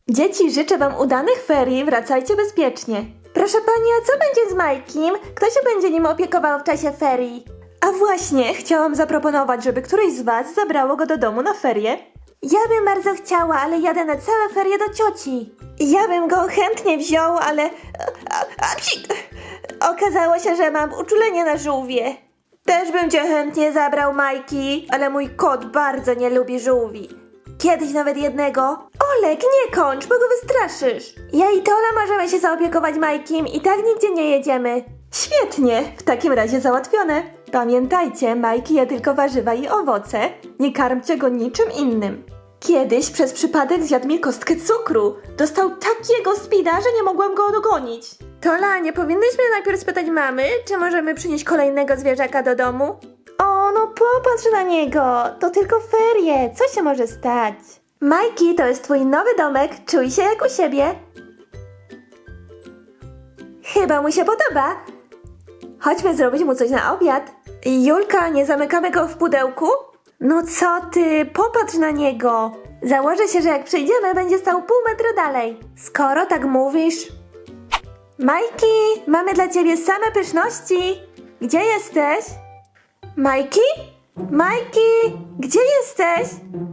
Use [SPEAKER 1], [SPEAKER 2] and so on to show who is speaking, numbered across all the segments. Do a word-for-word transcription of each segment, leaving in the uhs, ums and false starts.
[SPEAKER 1] Dzieci, życzę wam udanych ferii, wracajcie bezpiecznie. Proszę pani, a co będzie z Majkiem? Kto się będzie nim opiekował w czasie ferii? A właśnie, chciałam zaproponować, żeby któreś z was zabrało go do domu na ferie. Ja bym bardzo chciała, ale jadę na całe ferie do cioci. Ja bym go chętnie wziął, ale... A, a, psik! Okazało się, że mam uczulenie na żółwie. Też bym cię chętnie zabrał, Majki, ale mój kot bardzo nie lubi żółwi. Kiedyś nawet jednego. Olek, nie kończ, bo go wystraszysz. Ja i Tola możemy się zaopiekować Majkiem i tak nigdzie nie jedziemy. Świetnie, w takim razie załatwione. Pamiętajcie, Majki je tylko warzywa i owoce. Nie karmcie go niczym innym. Kiedyś przez przypadek zjadł mi kostkę cukru. Dostał takiego spida, że nie mogłam go dogonić. Tola, nie powinnyśmy najpierw spytać mamy, czy możemy przynieść kolejnego zwierzaka do domu? O, no popatrz na niego. To tylko ferie. Co się może stać? Majki, to jest twój nowy domek. Czuj się jak u siebie. Chyba mu się podoba. Chodźmy zrobić mu coś na obiad. Julka, nie zamykamy go w pudełku? No co ty, popatrz na niego. Założę się, że jak przyjdziemy, będzie stał pół metra dalej. Skoro tak mówisz. Majki, mamy dla ciebie same pyszności. Gdzie jesteś? Majki? Majki, gdzie jesteś?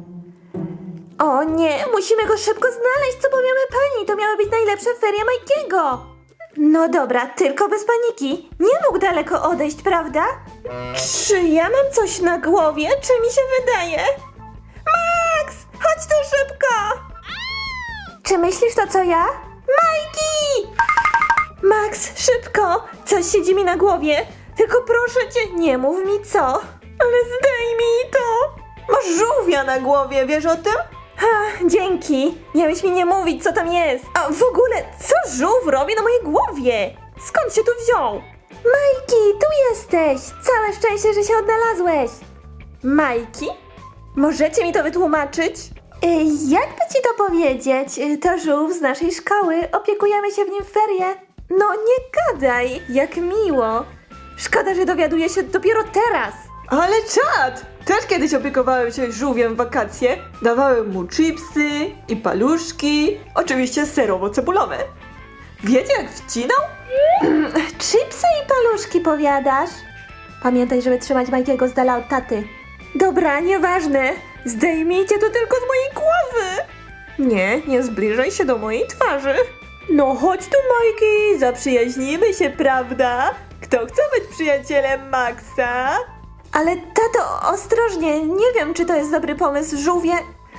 [SPEAKER 1] O nie, musimy go szybko znaleźć, co powiemy pani? To miały być najlepsze ferie Majkiego. No dobra, tylko bez paniki. Nie mógł daleko odejść, prawda? Czy ja mam coś na głowie? Czy mi się wydaje? Max, chodź tu szybko! Czy myślisz to co ja? Majki! Max, szybko! Coś siedzi mi na głowie. Tylko proszę cię, nie mów mi co. Ale zdejmij to. Masz żółwia na głowie, wiesz o tym? Ha, dzięki. Miałeś mi nie mówić, co tam jest. A w ogóle, co żółw robi na mojej głowie? Skąd się tu wziął? Majki, tu jesteś. Całe szczęście, że się odnalazłeś. Majki? Możecie mi to wytłumaczyć? Y, jakby ci to powiedzieć? Y, To żółw z naszej szkoły. Opiekujemy się w nim w ferie. No nie gadaj, jak miło. Szkoda, że dowiaduję się dopiero teraz.
[SPEAKER 2] Ale czad! Też kiedyś opiekowałem się żółwiem w wakacje. Dawałem mu chipsy i paluszki, oczywiście serowo-cebulowe. Wiecie jak wcinał?
[SPEAKER 1] Chipsy i paluszki powiadasz? Pamiętaj, żeby trzymać Majkiego z dala od taty. Dobra, nieważne. Zdejmijcie to tylko z mojej głowy.
[SPEAKER 2] Nie, nie zbliżaj się do mojej twarzy.
[SPEAKER 1] No chodź tu, Majki,
[SPEAKER 2] Zaprzyjaźnimy się, prawda? Kto chce być przyjacielem Maxa?
[SPEAKER 1] Ale tato, ostrożnie, nie wiem, czy to jest dobry pomysł, żółwie...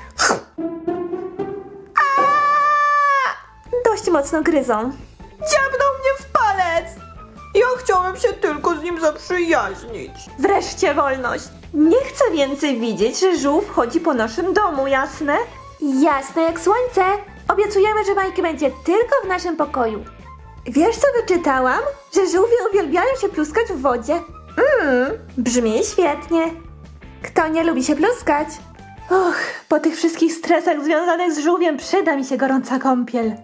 [SPEAKER 1] Aaaa! Dość mocno gryzą.
[SPEAKER 2] Dziabnął mnie w palec! Ja chciałem się tylko z nim zaprzyjaźnić.
[SPEAKER 1] Wreszcie wolność. Nie chcę więcej widzieć, że żółw chodzi po naszym domu, jasne? Jasne jak słońce. Obiecujemy, że Majki będzie tylko w naszym pokoju. Wiesz, co wyczytałam? Że żółwie uwielbiają się pluskać w wodzie. Mmm, brzmi świetnie. Kto nie lubi się pluskać? Och, po tych wszystkich stresach związanych z żółwiem przyda mi się gorąca kąpiel.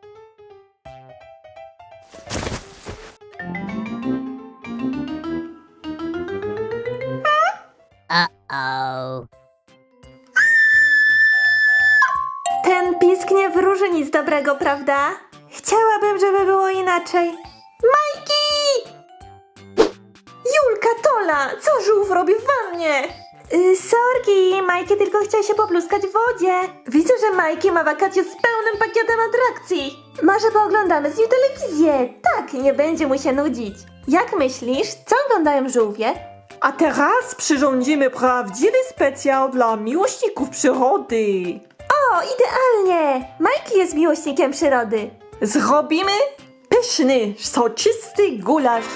[SPEAKER 3] Uh-oh.
[SPEAKER 1] Ten pisk nie wróży nic dobrego, prawda? Chciałabym, żeby było inaczej. Majki! Julka, Tola, co żółw robi w wannie? Yy, sorki, Majki tylko chciał się popluskać w wodzie. Widzę, że Majki ma wakacje z pełnym pakietem atrakcji. Może pooglądamy z nim telewizję. Tak, nie będzie mu się nudzić. Jak myślisz, co oglądają żółwie?
[SPEAKER 2] A teraz przyrządzimy prawdziwy specjał dla miłośników przyrody.
[SPEAKER 1] O, idealnie! Majki jest miłośnikiem przyrody.
[SPEAKER 2] Zrobimy pyszny, soczysty gulasz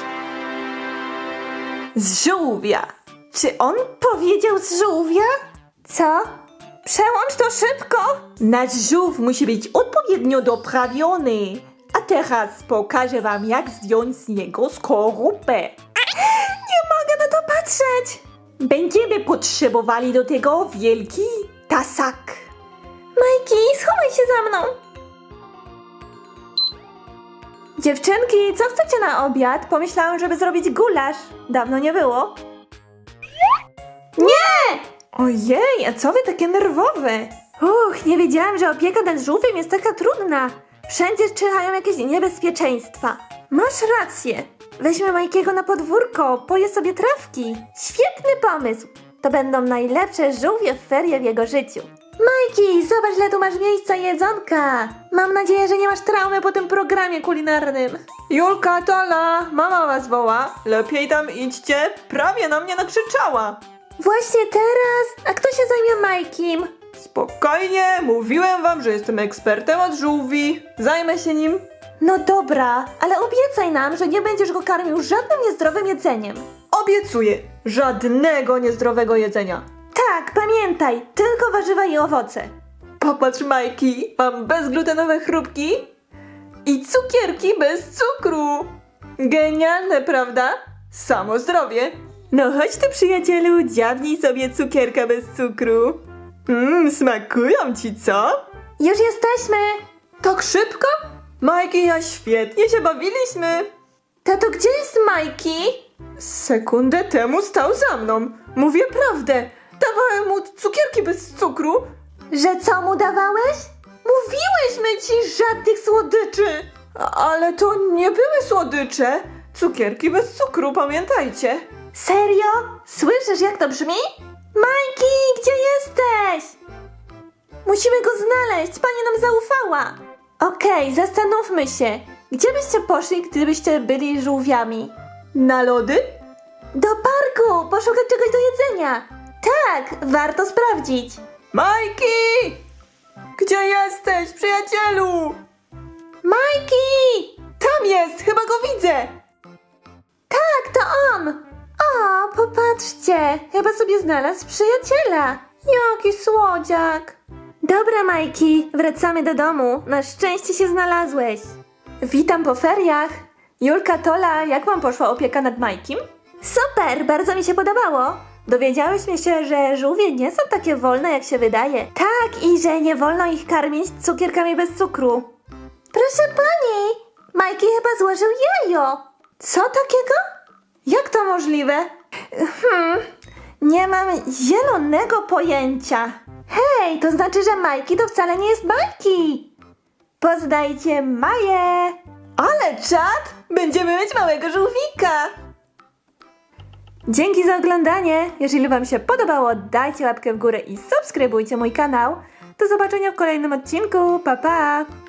[SPEAKER 2] z żółwia.
[SPEAKER 1] Czy on powiedział z żółwia? Co? Przełącz to szybko!
[SPEAKER 2] Nasz żółw musi być odpowiednio doprawiony. A teraz pokażę wam, jak zdjąć z niego skorupę.
[SPEAKER 1] Nie mogę na to patrzeć!
[SPEAKER 2] Będziemy potrzebowali do tego wielki tasak.
[SPEAKER 1] Majki, schowaj się za mną! Dziewczynki, co chcecie na obiad? Pomyślałam, żeby zrobić gulasz. Dawno nie było. Nie!
[SPEAKER 2] Ojej, a co wy takie nerwowe?
[SPEAKER 1] Uch, nie wiedziałam, że opieka nad żółwiem jest taka trudna. Wszędzie czyhają jakieś niebezpieczeństwa. Masz rację. Weźmy Majkiego na podwórko, poje sobie trawki. Świetny pomysł. To będą najlepsze żółwie w ferie w jego życiu. Majki, zobacz, ile tu masz miejsca i jedzonka. Mam nadzieję, że nie masz traumy po tym programie kulinarnym.
[SPEAKER 2] Julka, Tola, mama was woła. Lepiej tam idźcie. Prawie na mnie nakrzyczała.
[SPEAKER 1] Właśnie teraz? A kto się zajmie Majkim?
[SPEAKER 2] Spokojnie, mówiłem wam, że jestem ekspertem od żółwi. Zajmę się nim.
[SPEAKER 1] No dobra, ale obiecaj nam, że nie będziesz go karmił żadnym niezdrowym jedzeniem.
[SPEAKER 2] Obiecuję, żadnego niezdrowego jedzenia.
[SPEAKER 1] Tak, pamiętaj, tylko warzywa i owoce.
[SPEAKER 2] Popatrz, Majki, mam bezglutenowe chrupki i cukierki bez cukru. Genialne, prawda? Samo zdrowie. No chodź tu, przyjacielu, dziabnij sobie cukierka bez cukru. Mmm, smakują ci, co?
[SPEAKER 1] Już jesteśmy!
[SPEAKER 2] Tak szybko? Majki i ja świetnie się bawiliśmy.
[SPEAKER 1] Tato, gdzie jest Majki?
[SPEAKER 2] Sekundę temu stał za mną. Mówię prawdę. Dawałem mu cukierki bez cukru.
[SPEAKER 1] Że co mu dawałeś?
[SPEAKER 2] Mówiłyśmy ci żadnych słodyczy. A- Ale to nie były słodycze. Cukierki bez cukru, pamiętajcie.
[SPEAKER 1] Serio? Słyszysz, jak to brzmi? Majki, gdzie jesteś? Musimy go znaleźć, pani nam zaufała. Okej, zastanówmy się. Gdzie byście poszli, gdybyście byli żółwiami?
[SPEAKER 2] Na lody?
[SPEAKER 1] Do parku, poszukać czegoś do jedzenia. Tak, warto sprawdzić.
[SPEAKER 2] Majki! Gdzie jesteś, przyjacielu?
[SPEAKER 1] Majki!
[SPEAKER 2] Tam jest, chyba go widzę.
[SPEAKER 1] Tak, to on! O, popatrzcie, chyba sobie znalazł przyjaciela. Jaki słodziak. Dobra, Majki, wracamy do domu. Na szczęście się znalazłeś. Witam po feriach. Julka, Tola, jak wam poszła opieka nad Majkim? Super, bardzo mi się podobało. Dowiedziałyśmy się, że żółwie nie są takie wolne, jak się wydaje. Tak, i że nie wolno ich karmić cukierkami bez cukru. Proszę pani, Majki chyba złożył jajo. Co takiego? Jak to możliwe? Hmm, nie mam zielonego pojęcia. Hej, to znaczy, że Majki to wcale nie jest Majki. Poznajcie Maję.
[SPEAKER 2] Ale czad! Będziemy mieć małego żółwika.
[SPEAKER 1] Dzięki za oglądanie. Jeżeli wam się podobało, dajcie łapkę w górę i subskrybujcie mój kanał. Do zobaczenia w kolejnym odcinku. Pa, pa!